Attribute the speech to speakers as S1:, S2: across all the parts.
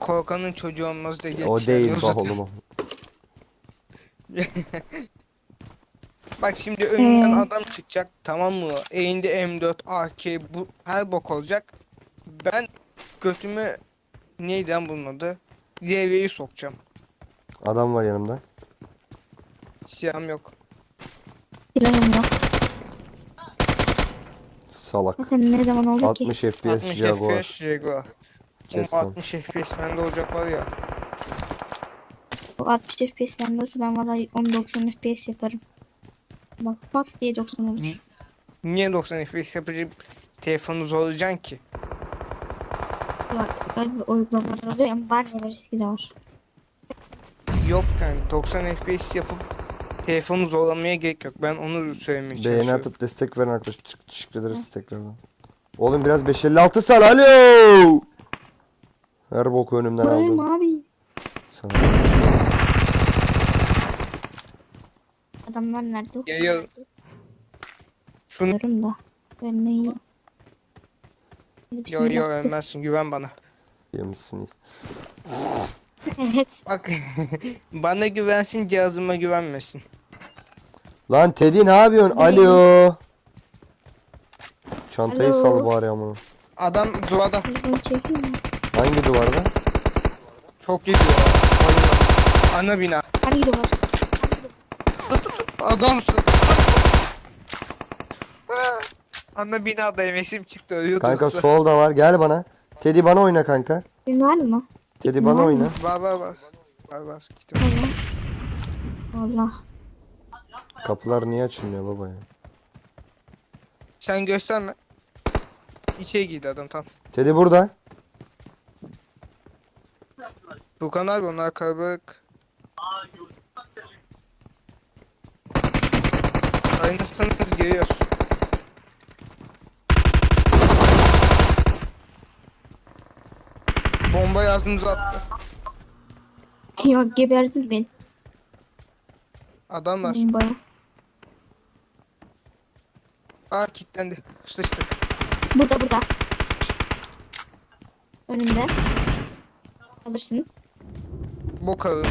S1: korkanın çocuğu olmaz diye
S2: O
S1: geçiyor.
S2: değil bak oğlum o.
S1: Bak şimdi önünden adam çıkacak, tamam mı? Elinde M4, AK, bu her bok olacak. Ben götümü neydi lan bunun adı? Levyeyi sokacağım.
S2: Adam var yanımda.
S1: Silahım yok.
S3: Silahım yok.
S2: Salak.
S3: Zaten ne zaman oldu ki?
S2: 60 FPS
S1: 60
S2: Jaguar.
S1: FPS Jaguar.
S2: Kes
S1: Oğlum
S2: lan.
S1: 60 FPS bende olacak var ya.
S3: O 60 FPS bende olsa ben valla 10-90 FPS yaparım. Bak pat diye 90 olur.
S1: Niye 90 FPS yapıcı telefonu zorlayacaksın ki?
S3: Bak böyle bir uygulamalar oluyor ama var ya riski de var.
S1: Yok yani 90 FPS yapıp telefonu zorlamaya gerek yok. Ben onu söylemeye
S2: Beğeni
S1: çalışıyorum.
S2: atıp destek veren arkadaşlar. Teşekkür ederiz tekrardan. Oğlum biraz 556 sal. Alo. Her boku önümden
S3: Buradayım
S2: aldın.
S3: abi.
S2: Sana.
S3: Adamlar nerede?
S1: Geliyor. Şunu
S3: Bilmiyorum da. Ölmeyi.
S1: yo ölmezsin, güven bana.
S2: Yemişsin.
S3: Evet.
S1: Bak bana güvensin, cihazıma güvenmesin.
S2: Lan Teddy ne yapıyorsun? Alo. Çantayı
S3: Alo.
S2: sal bari ama.
S1: Adam duvarda
S3: Telefonu çekeyim mi?
S2: Hangi duvarda?
S1: çok iyi duvar. Oyunda. Ana bina.
S3: Hangi duvar?
S1: Adamsın. Ana binadayım, esim çıktı, ölüyordu.
S2: Kanka solda var. Gel bana. Teddy bana oyna kanka.
S3: Senin var mı?
S2: Teddy bana oyna.
S1: Var var var. Var var. Gittim.
S3: Allah. Allah.
S2: Kapılar niye açılmıyor baba ya?
S1: Sen gösterme. İçeri girdi adam tam.
S2: Teddy burada.
S1: Furkan abi onlar kalabalık. Aynısınız geliyoruz. Bomba ağzımıza attı.
S3: Yok geberdin beni.
S1: Adam var.
S3: Bombaya.
S1: Aa kilitlendi. Sıçtık.
S3: Burada. Önümde. Alırsın.
S1: Bok alın.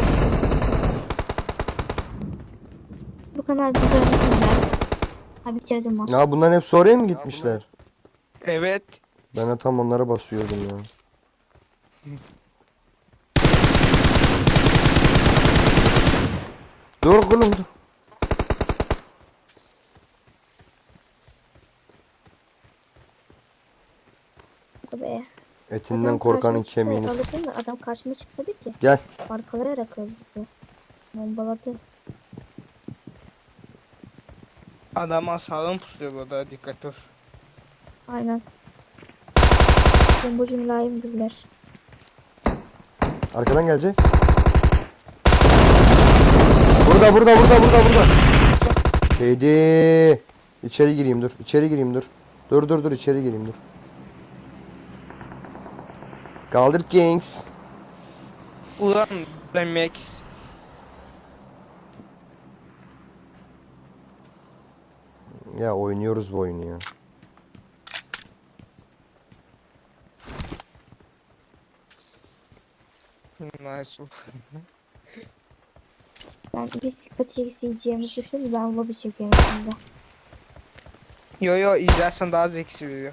S3: Bu kadar güzel misin biraz? Ha bitirdim o.
S2: Ya bunların hepsi oraya mı gitmişler?
S1: Evet.
S2: Ben de tam onlara basıyordum ya. Dur oğlum dur.
S3: Be.
S2: Etinden
S3: Adam
S2: korkanın
S3: karşıma çıktı,
S2: kemiğini.
S3: alırsın da adam karşıma çıkmadı ki.
S2: Gel.
S3: Arkalayarak öldü. Bombaladı.
S1: Adama sağlam pusuyor burada, dikkat ol.
S3: Aynen. Bombacı mülayim güller.
S2: Arkadan gelecek. Burada. Teddy. İçeri gireyim dur. Dur içeri gireyim dur. Kaldır Kings.
S1: Ulan demek.
S2: Ya oynuyoruz bu oyunu ya.
S1: Nice.
S3: Ben bir sıkı çekeceğimizi düşündüm. Ben lobi çekerim şimdi.
S1: Yo izlersen daha zevkli veriyor.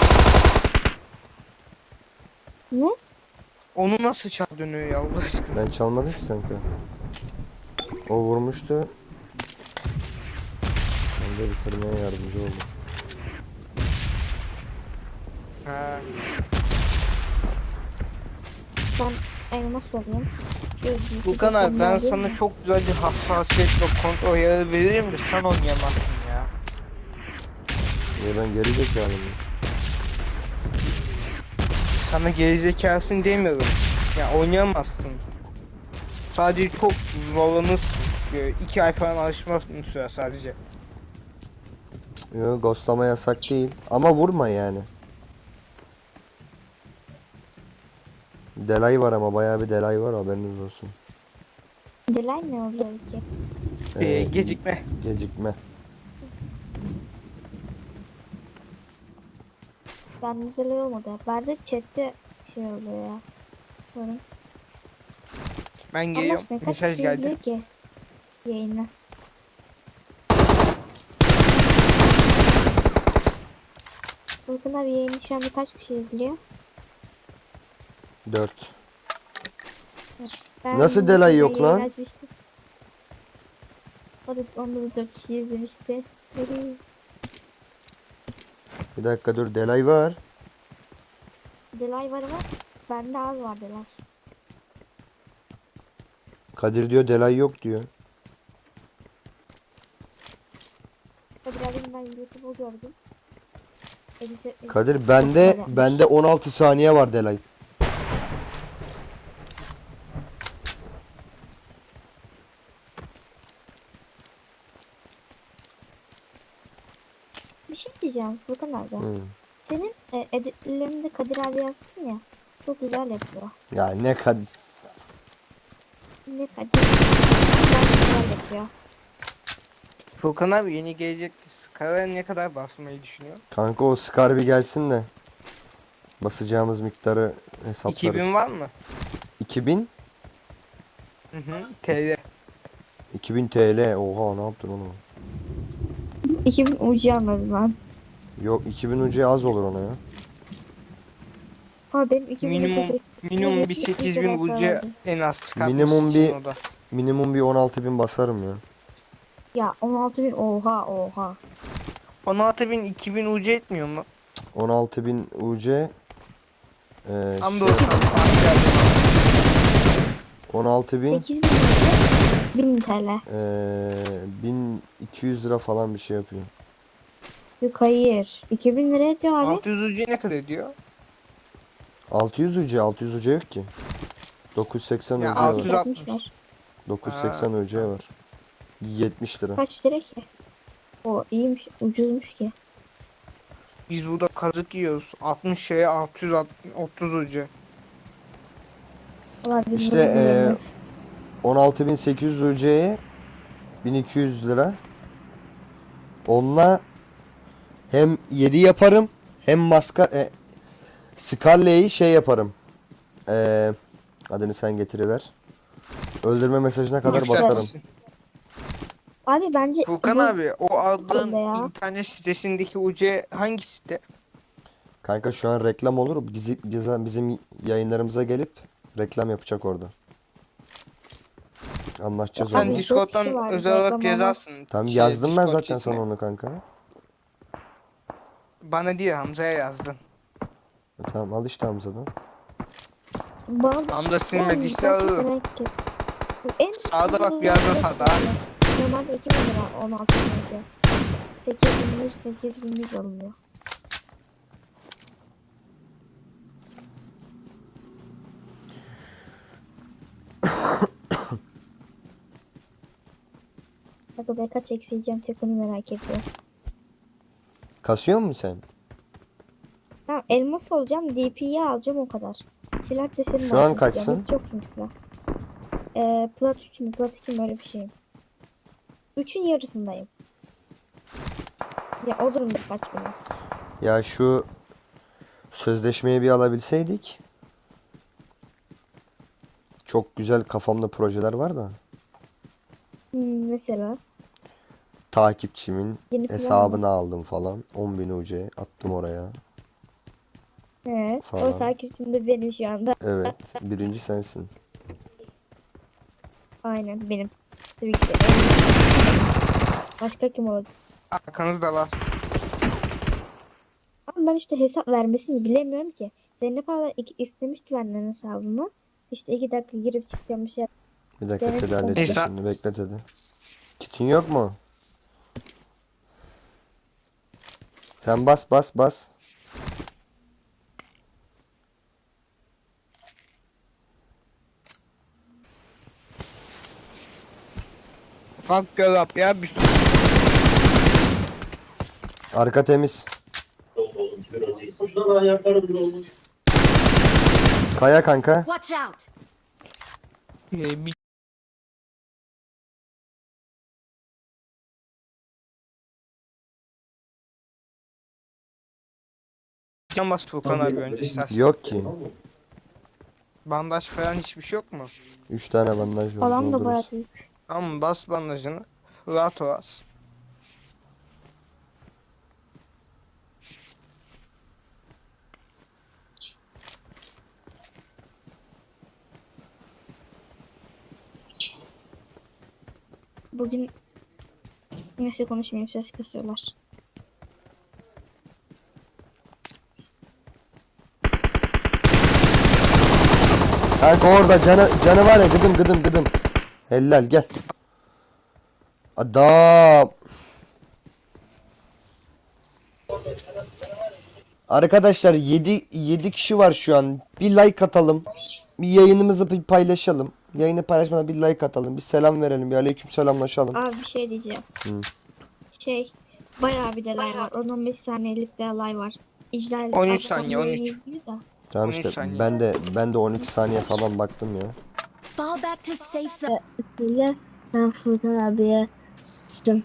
S3: Ne?
S1: Onu nasıl çal dönüyor ya Allah aşkına.
S2: Ben çalmadım ki kanka. O vurmuştu. Ben de bitirmeye yardımcı oldum.
S1: Ha.
S3: Ben elmas olayım.
S1: Furkan abi ben sana çok güzel bir hassasiyet ve kontrol ayarı veririm de sen oynayamazsın ya.
S2: Ya ben geri zekalıyım.
S1: Sana gerizekalısın demiyorum. Ya oynayamazsın. Sadece çok zorlanırsın. 2 ay falan alışmasın süre sadece.
S2: Yok ghostlama yasak değil. Ama vurma yani. Delay var ama bayağı bir delay var haberiniz olsun.
S3: Delay ne oluyor ki?
S1: Gecikme.
S2: Gecikme.
S3: Ben delay olmadı. Ben de chatte şey oluyor ya. Sorun.
S1: Ben
S3: Allah
S1: geliyorum.
S3: aşkına kaç
S1: Mesaj
S3: kişi
S1: geldi.
S3: izliyor ki yayını? Furkan abi yayını şu anda kaç kişi izliyor?
S2: 4.
S3: Ben
S2: Nasıl delay
S3: sizden
S2: yok
S3: yayın
S2: lan?
S3: açmıştım. Onda da 4 kişi izlemişti.
S2: Bir dakika dur, delay var.
S3: Delay var ama bende az var delay.
S2: Kadir diyor delay yok diyor.
S3: Kadir abim ben YouTube'u gördüm.
S2: Kadir
S3: Çok
S2: bende
S3: güzel yapmış.
S2: bende 16 saniye var delay.
S3: Bir şey diyeceğim Furkan abi.
S2: Hı.
S3: Senin editlerini de Kadir abi yapsın ya. Çok güzel yapıyor.
S2: Ya ne Kadir.
S3: Ne Kadir? Ben güzel yapıyor.
S1: Furkan abi yeni gelecek Scar'a ne kadar basmayı düşünüyor?
S2: Kanka o Scar bir gelsin de basacağımız miktarı hesaplarız.
S1: 2000 var mı?
S2: 2000?
S1: Hı hı. TL.
S2: 2000 TL. Oha, ne yaptın onu?
S3: 2000 ucu anladım ben.
S2: Yok, 2000 ucu az olur ona ya.
S3: Ama benim 2000
S1: Minimum
S3: ucu
S1: minimum bir 8000 ucu en az çıkartması
S2: Minimum
S1: için
S2: bir-
S1: o da.
S2: Minimum bir 16.000 basarım ya.
S3: Ya 16.000 oha.
S1: 16.000 2000 ucu etmiyor mu?
S2: 16.000 UC
S1: Ama
S2: şey,
S1: doğru.
S2: 16.000
S3: 8.000 ucu 1000 TL.
S2: 1200 lira falan bir şey yapıyor.
S3: Yok hayır. 2000 lira ediyor abi.
S1: 600 ucu ne kadar ediyor?
S2: 600 UC yok ki. 980
S1: Ya
S2: UC var.
S1: 660.
S3: Var.
S2: 980 UC var. 70 lira.
S3: Kaç lira ki? O iyiymiş, ucuzmuş ki.
S1: Biz burada kazık yiyoruz. 60 şeye 630 ucu.
S3: Valla biz
S2: İşte,
S3: bunu bilmiyoruz.
S2: 16.800 UC'ye 1200 lira. Onunla hem 7 yaparım hem Scarlet'i şey yaparım. Adını sen getiriver. Öldürme mesajına kadar
S3: Yükselsin.
S2: basarım.
S3: Abi bence
S1: Furkan
S3: bu
S1: abi o aldığın
S3: ya.
S1: internet sitesindeki ucu hangi site?
S2: Kanka şu an reklam olur. Bizim yayınlarımıza gelip reklam yapacak orada. Anlaşacağız
S3: Abi,
S1: Sen
S2: onu.
S3: dört kişi
S1: Discord'dan
S3: var,
S1: özel olarak
S3: reklam olmaz.
S1: yazarsın.
S2: Tamam,
S1: Şey,
S2: yazdım ben
S1: Discord
S2: zaten
S1: chatine.
S2: sana onu kanka.
S1: Bana değil Hamza'ya yazdın.
S2: Tamam, al işte Hamza'dan.
S3: Bana
S1: Hamza silmediyse
S3: ben çok
S1: alırım.
S3: merak ettim. En
S1: Sağda bak,
S3: ucuz
S1: bir yazda
S3: ne
S1: sağda.
S3: sağda? Normalde 2000 lira 16 önce. 8100 alınıyor. Bakın ben kaç eksiyeceğim tek onu merak ediyorum.
S2: Kasıyor musun sen?
S3: Tamam elmas olacağım DP'yi alacağım o kadar. Silah deseni
S2: Şu an kaçsın?
S3: Çok çünkü silah. Plat 3 mü plat 2 mi öyle bir şeyim. 3'ün yarısındayım. Ya olurum birkaç güne.
S2: Ya şu sözleşmeyi bir alabilseydik. Çok güzel kafamda projeler var da.
S3: Mesela
S2: Takipçimin
S3: yeni silah
S2: hesabını aldım falan. 10.000 UC attım oraya.
S3: o
S2: Falan.
S3: takipçim de benim şu anda.
S2: Evet. Birinci sensin.
S3: Aynen benim. Tabii ki de. Başka kim olacak?
S1: Arkanızda var.
S3: Ama ben işte hesap vermesini bilemiyorum ki. Zeynep abla istemişti benden hesabımı. İşte 2 dakika girip çıkacağım bir şey.
S2: Bir dakika
S3: Evet,
S2: Tedi halledeceğiz
S1: Hesap-
S2: şimdi. Bekle Tedi. Kitin yok mu? Sen bas.
S1: Ufak göl ya bir
S2: Arka temiz. Kaya kanka.
S4: Watch out!
S1: bir can bas Furkan abi önce istersen.
S2: Yok ki.
S1: Bandaj falan hiçbir şey yok mu?
S2: 3 tane bandaj var.
S3: Falan da bayağı
S2: doldururuz.
S3: büyük.
S1: Tamam bas bandajını. Rahat ol az.
S3: Bugün neyse konuşmayayım, ses kısıyorlar.
S2: Kanka orada canı var ya, gıdım. Helal, gel. Adam. Arkadaşlar 7 kişi var şu an. Bir like atalım. Bir yayınımızı bir paylaşalım. Yayını paylaşmadan bir like atalım. Bir selam verelim. Bir aleyküm selamlaşalım.
S3: Abi bir şey diyeceğim.
S2: Hı.
S3: Bayağı bir delay var. 10-15 saniyelik delay var. İclal
S1: 13 saniye, 13.
S2: Tamam
S1: 13
S2: işte
S1: saniye.
S2: ben de 12 saniye falan baktım ya.
S4: Fall back to safe zone.
S3: Öyle ben Furkan abiye tuttum.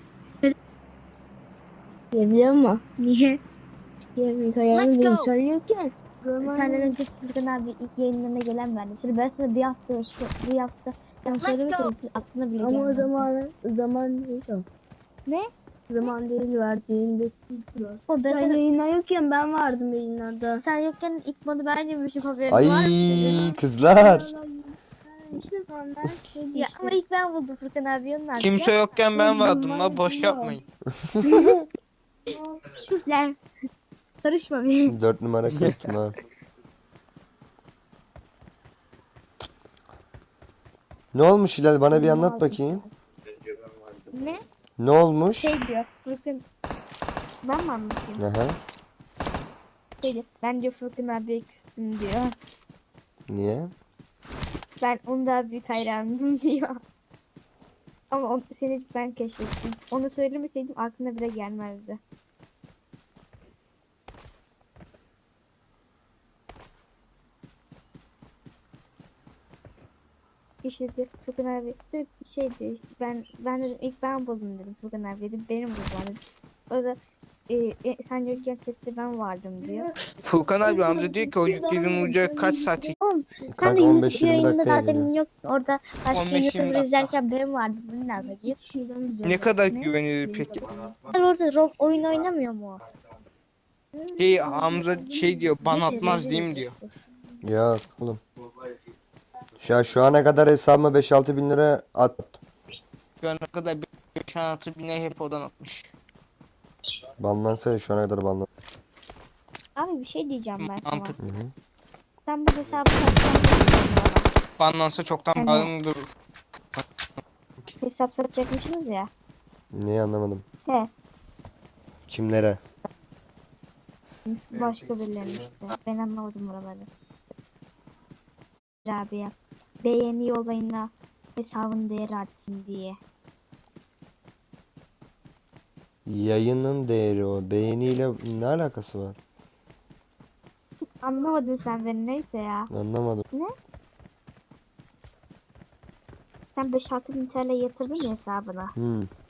S3: Biliyor musun? Niye? Yemek ayağını
S4: Let's
S3: benim
S4: go.
S3: sanıyorken. Senden önce Furkan abi ilk yayınlarına gelen bendim. Şimdi ben sana bir hafta sen söylemesen için aklına bile gelmedi.
S5: Ama o zaman değil o.
S3: Ne?
S5: Zaman değil verdiğinde
S3: O ben
S5: Sen
S3: sana,
S5: yayına yokken ben vardım yayınlarda.
S3: sen yokken ilk modu ben yemişim, haberin var mı?
S2: Ay kızlar.
S5: İşte sonra
S3: Ya ama ilk ben buldum Furkan abi, onun ne
S1: Kimse
S3: yapacağım?
S1: yokken ben vardım la, boş yapmayın.
S3: Sus lan. Karışma benim.
S2: 4 numara kıstım ha. Ne olmuş Hilal, bana bir anlat bakayım.
S3: Ne?
S2: Ne olmuş?
S3: Şey diyor Furkan. Ben mi anlatayım?
S2: Aha.
S3: Şey diyor. Ben diyor Furkan abiye küstüm diyor.
S2: Niye?
S3: Ben onun daha büyük hayranıydım diyor. Ama seni ben keşfettim. Onu söylemeseydim aklına bile gelmezdi. İşte diyor, Furkan abi diyor, şey diyor, ben dedim ilk ben buldum dedim, Furkan abi dedim benim bulmam dedim. O da sen yokken chatte ben vardım diyor.
S1: Furkan abi amca diyor ki o yüklerin ucu kaç saat
S3: Oğlum sen
S2: Kanka
S3: de
S2: 15-20
S3: YouTube yayınında
S2: dakikaya
S3: zaten
S2: geliyor.
S3: yok orada başka
S1: 15-20
S3: YouTuber
S1: dakika.
S3: izlerken ben vardım, bunun ne yapacağım?
S1: ne kadar güvenilir peki?
S3: Ben orada oyun oynamıyor mu?
S1: Şey Hamza şey diyor, ban atmaz değil mi diyor.
S2: Yok oğlum. Şu ana kadar hesabıma 5-6 bin lira at.
S1: Şu ana kadar 5-6 bine hep odan atmış.
S2: Banlansa şu ana kadar banlan.
S3: Abi bir şey diyeceğim ben sana.
S1: Mantıklı.
S2: Hı hı.
S3: Sen bu hesabı satsan bana.
S1: Banlansa çoktan
S3: Yani-
S1: bağımlıdır.
S3: Hesap satacakmışsınız ya.
S2: Neyi anlamadım.
S3: He.
S2: Kimlere?
S3: Başka birilerine işte. Ben anlamadım oraları. Rabia. Beğeni olayına hesabın değeri artsın diye.
S2: Yayının değeri o. Beğeniyle ne alakası var?
S3: Anlamadın sen beni, neyse ya.
S2: Anlamadım.
S3: Sen 5-6 bin TL yatırdın ya hesabına.